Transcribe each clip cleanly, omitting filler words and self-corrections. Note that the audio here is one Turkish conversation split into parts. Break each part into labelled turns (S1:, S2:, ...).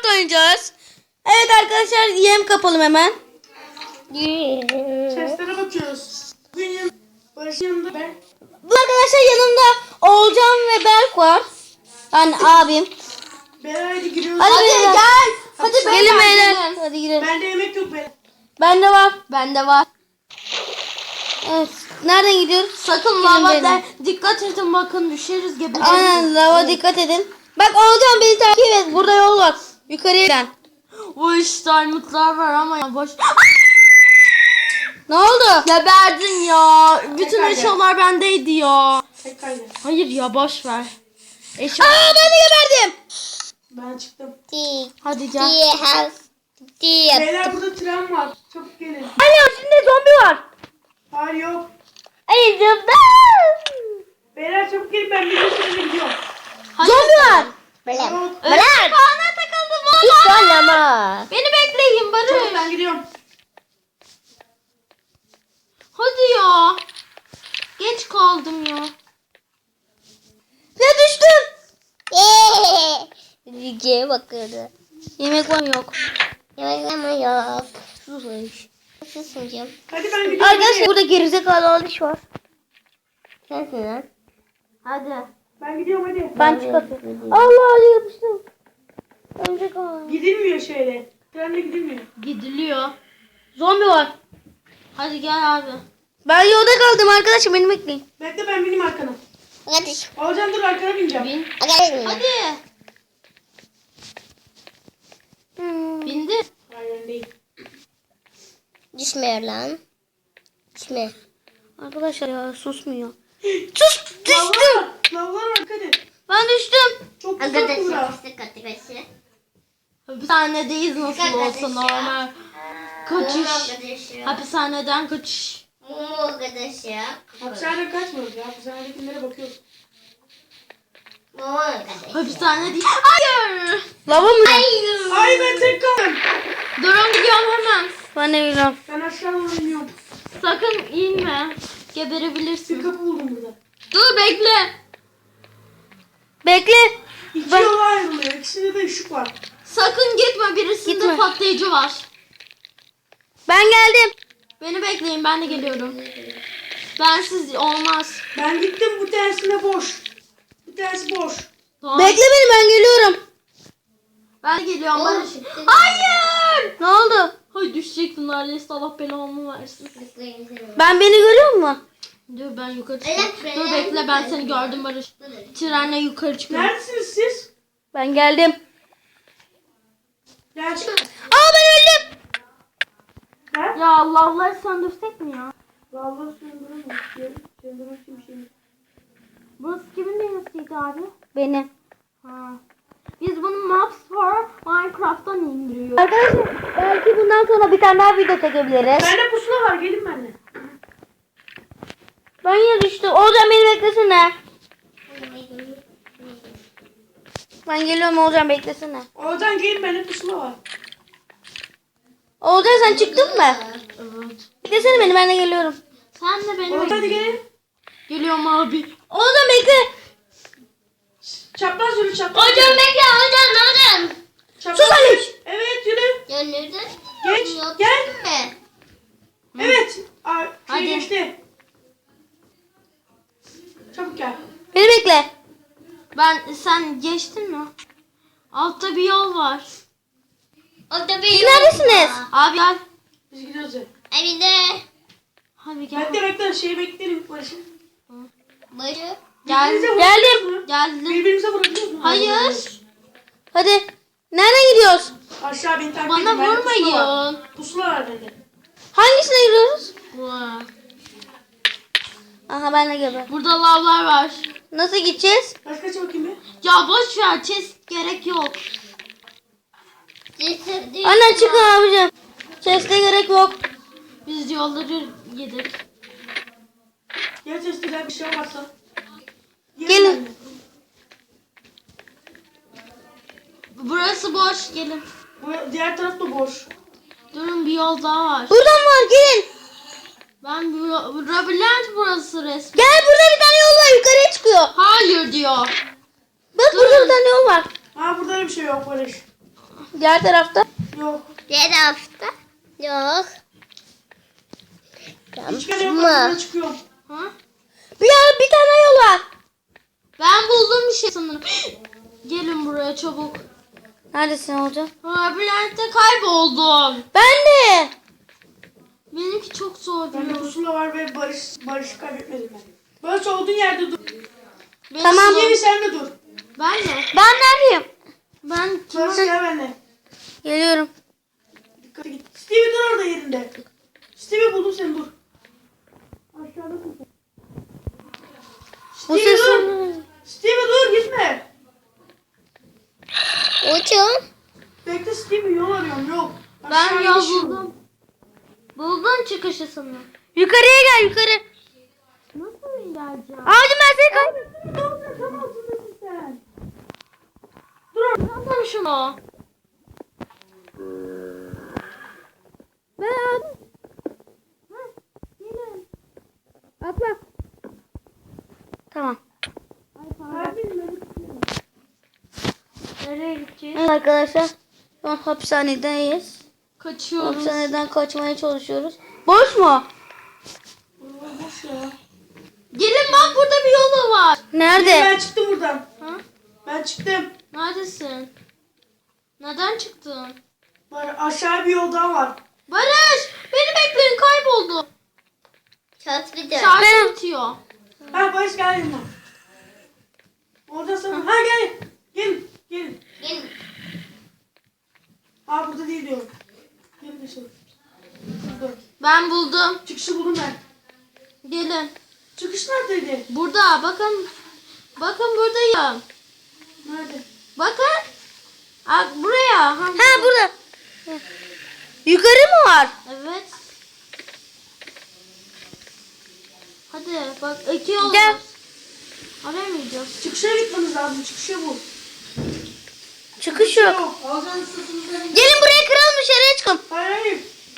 S1: Minecraft oynayacağız. Evet arkadaşlar yem kapalım hemen.
S2: Seslere bakıyoruz. Benim Barış'ın yanında ben.
S1: Bu arkadaşlar yanımda Oğulcan ve Berk var. Yani abim.
S2: Beraber hadi giriyoruz.
S1: Hadi beyler.
S3: Gel. Hadi
S1: Gelin beyler. Hadi girelim.
S2: Bende yemek yok be.
S1: Bende var.
S3: Bende var.
S1: Evet. Nereden gidiyoruz?
S3: Sakın
S1: Gelin
S3: lava
S1: beyler.
S3: dikkat edin bakın düşeriz gibi.
S1: Aynen lava dikkat edin. Bak Oğulcan beni takip et. Burada yol var. Yukarıya giden.
S3: Bu iş diamondlar var ama ya boş.
S1: Ne oldu?
S3: Geberdin ya. Bütün
S2: Tekrar
S3: eşyalar bendeydi ya.
S2: Tek kaydı.
S3: Hayır ya boş ver. Eşya.
S1: Aa ben de geberdim.
S2: Ben çıktım.
S3: Hadi gel.
S2: Beyler burada tren var. Çabuk gelin.
S1: Anne içinde zombi var.
S2: Hayır yok.
S1: Ay zıpla.
S2: Beyler çabuk gelin ben bir sürü gidiyorum.
S1: Zombi var.
S2: Yok.
S1: Bırak.
S3: Bana takıldım valla.
S1: Ama.
S3: Beni bekleyin Barış.
S2: Çabuk ben gidiyorum.
S3: Hadi ya. Geç kaldım ya.
S1: Ya düştüm.
S4: Rüzgâra bakıyordu.
S1: Yemek var mı yok?
S4: Yemek ama yok.
S1: Sus.
S4: Susuncum.
S2: Hadi ben gidiyorum.
S1: Arkadaşlar burada gerizekalı alış var.
S4: Sensin lan.
S3: Hadi.
S2: Ben gidiyorum hadi.
S1: Ben çıkartıyorum. Allah Ali yapıştım. Örümcek ağ.
S2: Gidilmiyor şöyle. Trenle gidilmiyor.
S3: Gidiliyor.
S1: Zombi var.
S3: Hadi gel abi.
S1: Ben yolda kaldım arkadaşım beni bekleyin.
S2: Bekle ben bineyim arkana.
S4: Hadi.
S2: Alacağım dur arkana bineceğim.
S3: Bin.
S4: Hadi.
S3: Hadi. Bindi.
S2: Hayır ben değil.
S4: Düşmüyor lan. Düşme.
S1: Arkadaşlar ya susmuyor. Sus düştüm.
S2: Lavlar var. Lavlar var dikkat et.
S1: Ben düştüm.
S2: Çok uzak bura.
S4: Arkadaşlar.
S3: Hapishanedeyiz nasıl olsa normal. Kaçış.
S4: Arkadaşlar.
S3: Hapishaneden kaçış.
S4: Arkadaşlar.
S2: Hapishaneden kaçmıyoruz ya. Hapishanedekilere bakıyoruz.
S4: Arkadaşlar.
S3: Hapishane değil. Hayır.
S1: Lava mı?
S2: Ay ben tek kaldım.
S3: Durun gidiyorum hemen.
S1: Ben de biliyorum.
S2: Ben aşağı doğru iniyorum.
S3: Sakın inme.
S2: Bir
S3: Geberebilirsin.
S2: kapı buldum burada.
S3: Dur bekle.
S1: Bekle.
S2: İki
S1: Ben-
S2: yola ayrılıyor. İkisinde de ışık var.
S3: Sakın gitme. Birisinde
S1: Gitme.
S3: patlayıcı var.
S1: Ben geldim.
S3: Beni bekleyin ben de geliyorum. Bensiz olmaz.
S2: Ben gittim bu tersine boş. Bir tanesi boş.
S3: Tamam.
S1: Bekle beni ben geliyorum.
S3: Ben de geliyorum.
S4: Oğlum,
S3: Barış.
S4: çıktı.
S3: Hayır.
S1: Ne oldu?
S3: Hay düşecektin neredeyse Allah belamı versin.
S1: Ben beni görüyor musun?
S3: Dur ben yukarı çıkıyorum.
S4: Evet,
S3: Dur bekle ben seni gördüm Barış. Trenle yukarı çıkıyorum.
S2: Neredesiniz siz?
S1: Ben geldim.
S2: Gel.
S1: Aa ben öldüm.
S2: Ha?
S3: Ya Allah Allah söndürsek mi ya?
S2: Vallahi söndüremem. Söndürmek için bir şey yok.
S3: Burası kimin deniziydi abi?
S1: Benim.
S3: Ha. Biz bunu Maps for Minecraft'tan indiriyoruz.
S1: Arkadaşlar belki bundan sonra bir tane daha video çekebiliriz.
S2: Bende pusula var gelin benimle.
S1: Ben yine düştüm. Oğulcan beni beklesene. Ben geliyorum Oğulcan beklesene.
S2: Oradan gelin bende pusula var.
S1: Oğulcan sen çıktın mı?
S3: Evet.
S1: Beklesene beni ben de geliyorum.
S3: Sen de beni
S2: Oradan hadi
S3: bekle.
S2: gelin.
S3: Geliyorum abi.
S1: Oğulcan bekle.
S2: Çapraz yürü çapraz.
S4: Hocam bekle hocam.
S2: Çapraz
S1: Sus Ali.
S2: yürü. Evet yürü.
S4: Gönlürdün.
S2: Geç. Gel.
S4: mi?
S2: Evet.
S3: Hadi.
S2: Geçti. Çabuk gel.
S1: Beni bekle.
S3: Sen geçtin mi? Altta bir yol var.
S4: Orada bir
S1: Siz neredesiniz?
S3: Abi gel.
S2: Biz gidiyoruz.
S4: Evinde.
S3: Hadi gel.
S2: Bekle bekle şeyi bekleyelim Barış'ın.
S4: Barı.
S3: Gel.
S2: Birbirinize
S1: Geldim.
S2: vurabiliyoruz mu?
S3: Geldim.
S2: Birbirimize vurabiliyoruz mu?
S3: Hayır.
S1: Hadi. Nereden gidiyoruz?
S2: Aşağı beni takip
S3: Bana
S2: edin. Bende pusula var.
S3: vurmayın.
S2: Pusula var bende.
S1: Hangisine gidiyoruz?
S3: Vay.
S1: Aha ben de geber.
S3: Burada lavlar var.
S1: Nasıl gideceğiz?
S2: Kaç bakayım bir.
S3: Ya boş ver. Chest gerek yok.
S4: Cesedin.
S1: Anne çıkın abicim. Chest'e gerek yok.
S3: Biz yolları yedik.
S2: Gel testiler bir şey olmazsa.
S1: Gelin.
S2: benimle.
S3: Burası boş. Gelin.
S2: Bu diğer taraf da boş.
S3: Durun bir yol daha var.
S1: Buradan var gelin.
S3: Ben labirent burası resmen.
S1: Gel burada bir tane yol var yukarıya çıkıyor.
S3: Hayır diyor.
S1: Bak burada bir tane yol var.
S2: Ha burada da bir şey yok Barış.
S1: Diğer tarafta.
S2: Yok.
S4: Diğer hafta. Yok.
S2: Hiç kere yok.
S4: Mı?
S2: Ben çıkıyorum.
S3: Ha?
S1: Bir tane yol var.
S3: Ben buldum bir şey sanırım. Gelin buraya çabuk.
S1: Neredesin hocam?
S3: Labirentte kayboldum.
S1: Ben de.
S3: Benimki çok zor
S2: Bende
S3: biliyor.
S2: pusula var ve barış kaybetmedim ben. Barış olduğun yerde dur.
S3: Benim
S1: Tamam.
S2: Yeni sen de dur.
S3: Ben de.
S1: Ben neredeyim?
S3: Ben
S2: Barış gel benimle.
S1: Geliyorum.
S2: Dikkat git. Stevie dur orada yerinde. Stevie buldum seni dur. Aşağıdasın sen.
S1: Bu
S2: Stevie
S1: ses
S2: dur. Stevie dur gitme.
S4: Hocam.
S2: Bekle Stevie yol arıyorum yol.
S3: ben
S2: Aşağı
S3: yol
S2: iniş
S3: buldum. Buldum çıkışı sanırım.
S1: yukarıya gel yukarı.
S3: Nasıl geleceğim?
S1: Abicim ben seni kaybettim.
S2: Dur tam altındasın sen.
S3: Yapalım şunu.
S1: Ben aldım.
S3: Gelin.
S1: Atla. Tamam.
S3: Nereye gideceğiz?
S1: Evet arkadaşlar. Şu an hapishanedeyiz.
S3: Kaçıyoruz.
S1: Hapishaneden kaçmaya çalışıyoruz. Boş mu?
S2: Boş ya.
S3: Gelin bak burada bir yolu var.
S1: Nerede?
S2: Ben çıktım buradan.
S3: Ha?
S2: Ben çıktım.
S3: Neredesin? Neden çıktın?
S2: Aşağı bir yol daha var.
S3: Barış! Beni bekleyin kayboldu.
S4: Şans bir de.
S3: Şarjı bitiyor.
S2: Ha Barış gel yanıma. Orada sana. Ha gel. Gelin. Gelin.
S4: Gelin.
S2: Ha burada değil diyorum. Gelin dışarı. Burada.
S3: Ben buldum.
S2: Çıkışı buldum ben.
S3: Gelin.
S2: Çıkış neredeydi?
S3: Burada bakın. Bakın buradayım.
S2: Nerede?
S3: Bakın. Buraya.
S1: Ha burada. Yukarı mı var?
S3: Evet. Hadi bak iki yol
S1: Gel.
S3: var. Oraya mı gidiyoruz?
S2: Çıkışa gitmemiz lazım. Çıkışı bu.
S1: Çıkış yok.
S2: Alacağın sırtınızdan.
S1: Gelin buraya kıralım dışarıya çıkalım.
S2: Hayır hayır.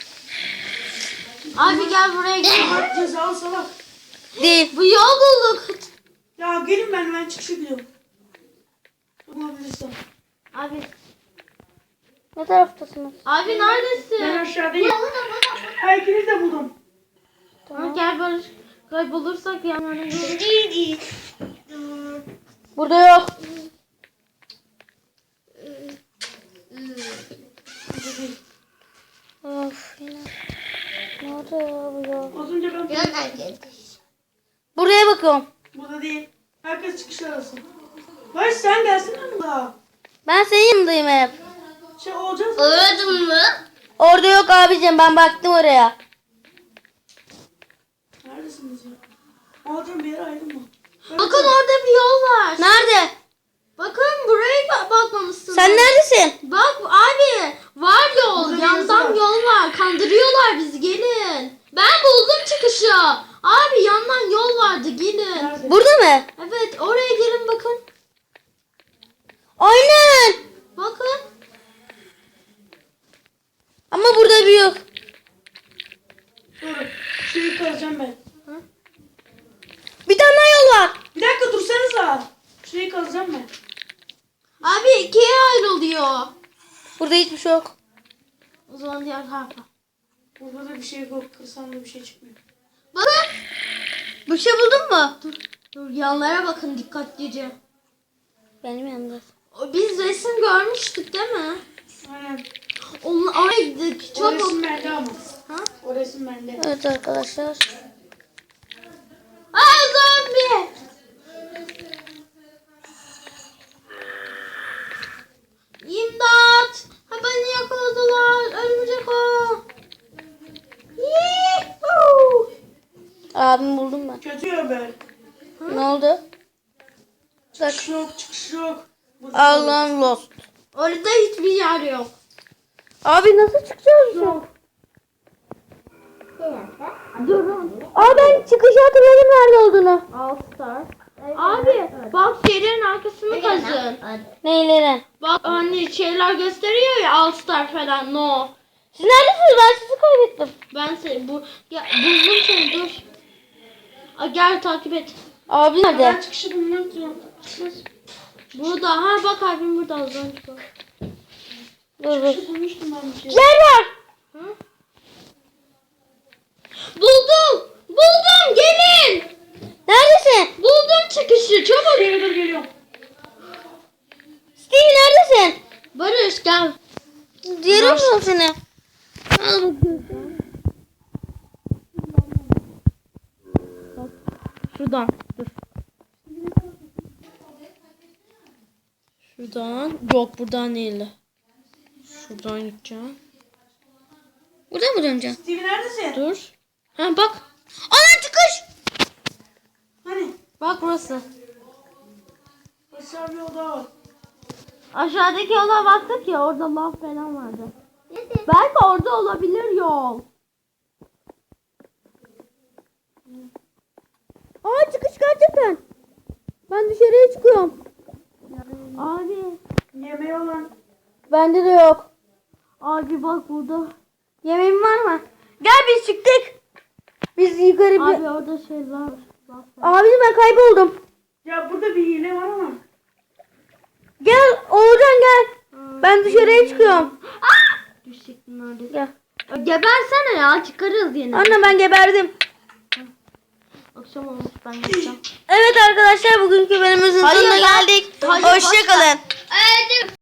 S3: Abi gel buraya gidelim.
S2: Bak cezalı salak.
S1: Değil.
S3: Bu yol bulduk.
S2: Ya gelin ben çıkışa gidiyorum. Bulabilirsem.
S3: Abi.
S1: Ne taraftasınız?
S3: Abi
S2: Ben
S3: neredesin?
S2: aşağıdayım. Ha ikiniz de buldum.
S3: Ha, gel Barış. Kaybolursak yanlarına geliriz.
S1: Burada yok. Of yine. Nerede ya bu ya?
S2: Az önce ben
S4: Yok herkes.
S1: Buraya bakıyorum.
S2: burada değil. Herkes çıkış arasın. Barış sen gelsene yanımda.
S1: Ben senin yanındayım hep.
S2: Şey olacağız.
S4: Öldün mü?
S1: Orada yok abicim, ben baktım oraya.
S2: Neredesiniz ya? Alacağım bir yere ayrılma.
S3: Bakın orada bir yol var.
S1: Nerede?
S3: Bakın buraya bakmamışsınız.
S1: Sen neredesin?
S3: Bak abi var yol.
S2: Burada bir
S3: Yandan
S2: yazı var.
S3: yol var. Kandırıyorlar bizi gelin. Ben buldum çıkışı. Abi yandan yol vardı gelin.
S2: Nerede?
S1: Burada mı?
S3: Evet oraya gelin bakın.
S1: Aynen.
S3: Bakın.
S1: Ama burada bir yok.
S2: Dur. Şeyi kazacağım ben.
S1: Bir tane daha yol var.
S2: Bir dakika dursanıza. Şeyi kazacağım ben.
S3: Abi ikiye ayrılıyor.
S1: Burada hiçbir şey yok.
S3: O zaman diğer tarafa.
S2: Burada da bir şey yok. Kırsam da bir şey çıkmıyor.
S3: Bakın.
S1: Bir şey buldun mu?
S3: Dur yanlara bakın dikkatlice.
S1: Benim yanımda.
S3: Biz resim görmüştük değil mi?
S2: Aynen.
S3: Oraya gittik.
S2: O
S3: Çabuk.
S2: resim bende ama.
S3: Ha?
S2: O resim bende.
S1: Evet arkadaşlar.
S3: Aa zombi. İmdat. Ha beni yakaladılar. Örümcek o. Yuhuu.
S1: Abim buldum ben.
S2: Kötü ya ben.
S1: Ne oldu?
S2: Çıkış yok. Çıkış yok.
S1: Allah'ım lost.
S3: Orada hiçbir yer yok.
S1: Abi nasıl çıkacağız? Yok.
S3: Durun.
S1: Aa ben çıkışı hatırladım nerede olduğunu.
S3: All Star. Abi bak şeylerin arkasını kazın.
S1: Neyleri?
S3: Bak hani şeyler gösteriyor ya All Star falan no.
S1: Siz neredesiniz? Ben sizi kaybettim.
S3: Ben seni buldum seni dur. Gel takip et.
S1: Abi
S2: Ben
S1: nerede?
S2: çıkışı bulmak istiyorum.
S3: Burada ha bak abim burada az önce.
S1: Dur.
S2: Bulmuştum ben bir şey.
S1: Yer var.
S3: Buldum. Buldum gelin.
S1: Neredesin?
S3: Buldum çıkışı çabuk.
S2: Stevie dur geliyorum.
S1: Steve neredesin?
S3: Barış gel.
S1: Yerim yok seni. Al bakayım.
S3: Şuradan. Dur. Şuradan. Yok buradan değil. Şuradan gideceğim.
S1: Buradan mı döneceğim?
S2: Stevie neredesin?
S3: Dur. Ha bak.
S1: Ana çıkış.
S2: Hani?
S3: Bak burası.
S2: Aşağı bir oda var.
S3: Aşağıdaki yola baktık ya orada lav falan vardı. Belki orada olabilir yol.
S1: Aa çıkış gerçekten. Ben dışarıya çıkıyorum.
S3: Abi.
S2: Yemeği olan.
S1: Bende de yok.
S3: Abi bak burada.
S1: Yemeğin var mı? Gel biz çıktık. Biz yukarı bir...
S3: Abi orada şeyler var.
S1: Abi ben kayboldum.
S2: Ya burada bir hile var ama.
S1: Gel Oğulcan gel. Ben dışarıya çıkıyorum.
S3: Düşecektin neredeyse.
S1: Gel.
S3: Gebersene ya çıkarız yine.
S1: Anne ben geberdim.
S3: Akşam olmuş ben gideceğim.
S1: Evet arkadaşlar bugünkü bölümümüzün
S3: Hayır,
S1: sonuna
S3: ben-
S1: geldik.
S3: Hayır, boş ver.
S1: Hoşçakalın.
S4: Öldüm.